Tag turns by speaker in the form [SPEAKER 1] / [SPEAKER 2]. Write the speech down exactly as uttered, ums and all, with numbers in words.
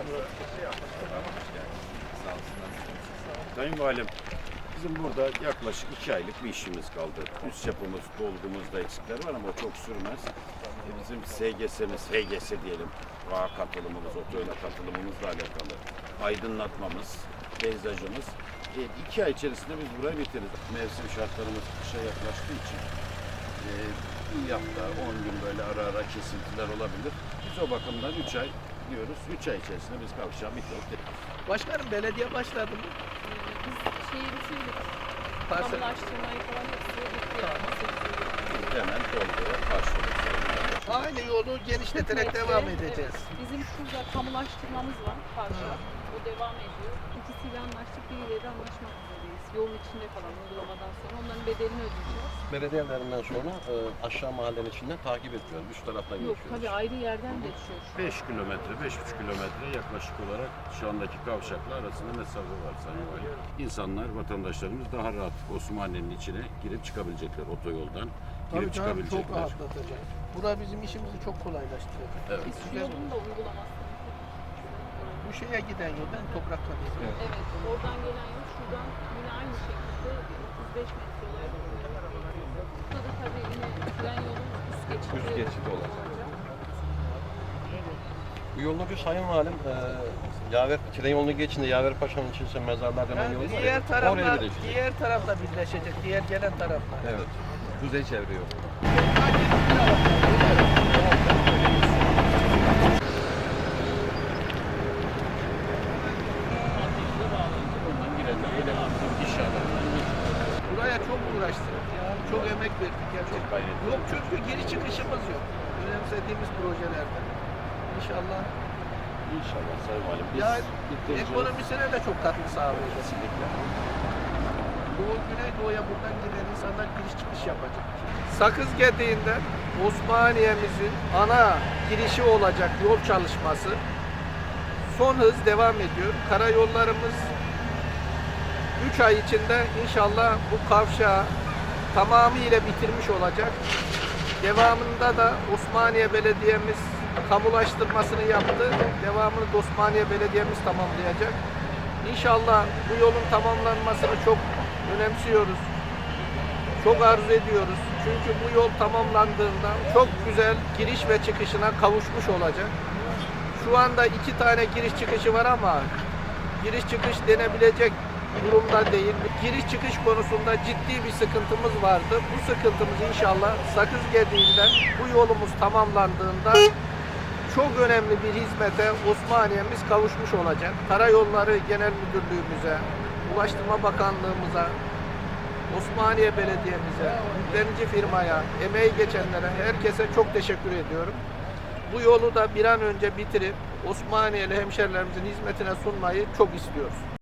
[SPEAKER 1] Sayın Valim, bizim burada yaklaşık iki aylık bir işimiz kaldı. Üst yapımız, dolgumuzda eksikler var ama o çok sürmez. E, Bizim S G S'miz, H G S diyelim, vağ katılımımız, otoyla katılımımızla alakalı aydınlatmamız, peyzajımız. E, iki ay içerisinde biz burayı bitiririz. Mevsim şartlarımız kışa yaklaştığı için e, bir hafta, on gün böyle ara ara kesintiler olabilir. Biz o bakımdan üç ay diyoruz. Üç ay içerisinde biz kavşağı bitirdik.
[SPEAKER 2] Başkanım belediye başladı mı?
[SPEAKER 3] Biz şeyi bitirdik.
[SPEAKER 2] Parsel.
[SPEAKER 3] Kamulaştırmayı falan hepsi bitti yani.
[SPEAKER 1] Biz hemen dolguya başlıyoruz.
[SPEAKER 2] Aynı yolu genişleterek
[SPEAKER 3] Metre,
[SPEAKER 2] devam edeceğiz.
[SPEAKER 3] Evet. Bizim şurada kamulaştırmamız var karşı. O devam ediyor. İkisiyle anlaştık, biriyle de anlaşmak üzereyiz. Yolun içinde kalan uygulamadan sonra onların bedelini ödeyeceğiz.
[SPEAKER 4] Belediyelerinden sonra e, aşağı mahallenin içinden takip ediyoruz. Üst taraftan
[SPEAKER 3] Yok
[SPEAKER 4] geçiyoruz.
[SPEAKER 3] tabii ayrı yerden geçiyor şu an.
[SPEAKER 1] beş kilometre, beş buçuk kilometre yaklaşık olarak şu andaki kavşakla arasında mesafe var Sayın Valim. İnsanlar, vatandaşlarımız daha rahat Osmaniye'nin içine girip çıkabilecekler otoyoldan.
[SPEAKER 2] Tabii
[SPEAKER 1] Girip
[SPEAKER 2] canım, çok
[SPEAKER 1] çıkabilecekler.
[SPEAKER 2] rahatlatacak. Bura bizim işimizi çok kolaylaştıracak.
[SPEAKER 4] Evet.
[SPEAKER 3] Biz şu yolun da uygulamasını
[SPEAKER 2] Bu şeye giden yol ben toprakla değil.
[SPEAKER 3] evet. evet. Oradan gelen yol şuradan yine aynı şekilde otuz beş metre olarak ilerliyor. Burada da tabii yine tren yolun üst geçidi,
[SPEAKER 4] Üst geçidi olacak. Bu yolun ucu Sayın Valim, e, Yaver, tren yolunu geçince Yaver Paşa'nın içinde mezarlar denen
[SPEAKER 2] Yani
[SPEAKER 4] yol var ya,
[SPEAKER 2] diğer
[SPEAKER 4] oraya
[SPEAKER 2] tarafla,
[SPEAKER 4] birleşecek.
[SPEAKER 2] diğer tarafla birleşecek, diğer gelen tarafla.
[SPEAKER 4] Evet. Kuzey çevre yolu.
[SPEAKER 2] Buraya çok uğraştık. Yani çok emek verdik. Yani çok
[SPEAKER 1] gayret
[SPEAKER 2] yok çünkü geri çıkışımız yok. Önemsediğimiz projelerden. İnşallah.
[SPEAKER 1] İnşallah Sayın Valim. Biz
[SPEAKER 2] Ya
[SPEAKER 1] bitireceğiz.
[SPEAKER 2] ekonomisine de çok katkı sağlayacak.
[SPEAKER 1] Kesinlikle.
[SPEAKER 2] Doğu Güneydoğu'ya buradan giden insanlar giriş çıkış yapacak. Sakız Gediği'nden Osmaniye'mizin ana girişi olacak yol çalışması son hız devam ediyor. Karayollarımız üç ay içinde inşallah bu kavşağı tamamıyla bitirmiş olacak. Devamında da Osmaniye Belediye'miz kamulaştırmasını yaptı. Devamını da Osmaniye Belediye'miz tamamlayacak. İnşallah bu yolun tamamlanmasını çok önemsiyoruz. Çok arzu ediyoruz. Çünkü bu yol tamamlandığında çok güzel giriş ve çıkışına kavuşmuş olacak. Şu anda iki tane giriş çıkışı var ama giriş çıkış denebilecek durumda değil. Giriş çıkış konusunda ciddi bir sıkıntımız vardı. Bu sıkıntımız inşallah Sakız Gediği'nden bu yolumuz tamamlandığında çok önemli bir hizmete Osmaniye'miz kavuşmuş olacak. Karayolları Genel Müdürlüğümüze, Ulaştırma Bakanlığımıza, Osmaniye Belediye'mize, yüklenici firmaya, emeği geçenlere, herkese çok teşekkür ediyorum. Bu yolu da bir an önce bitirip Osmaniyeli hemşerilerimizin hizmetine sunmayı çok istiyoruz.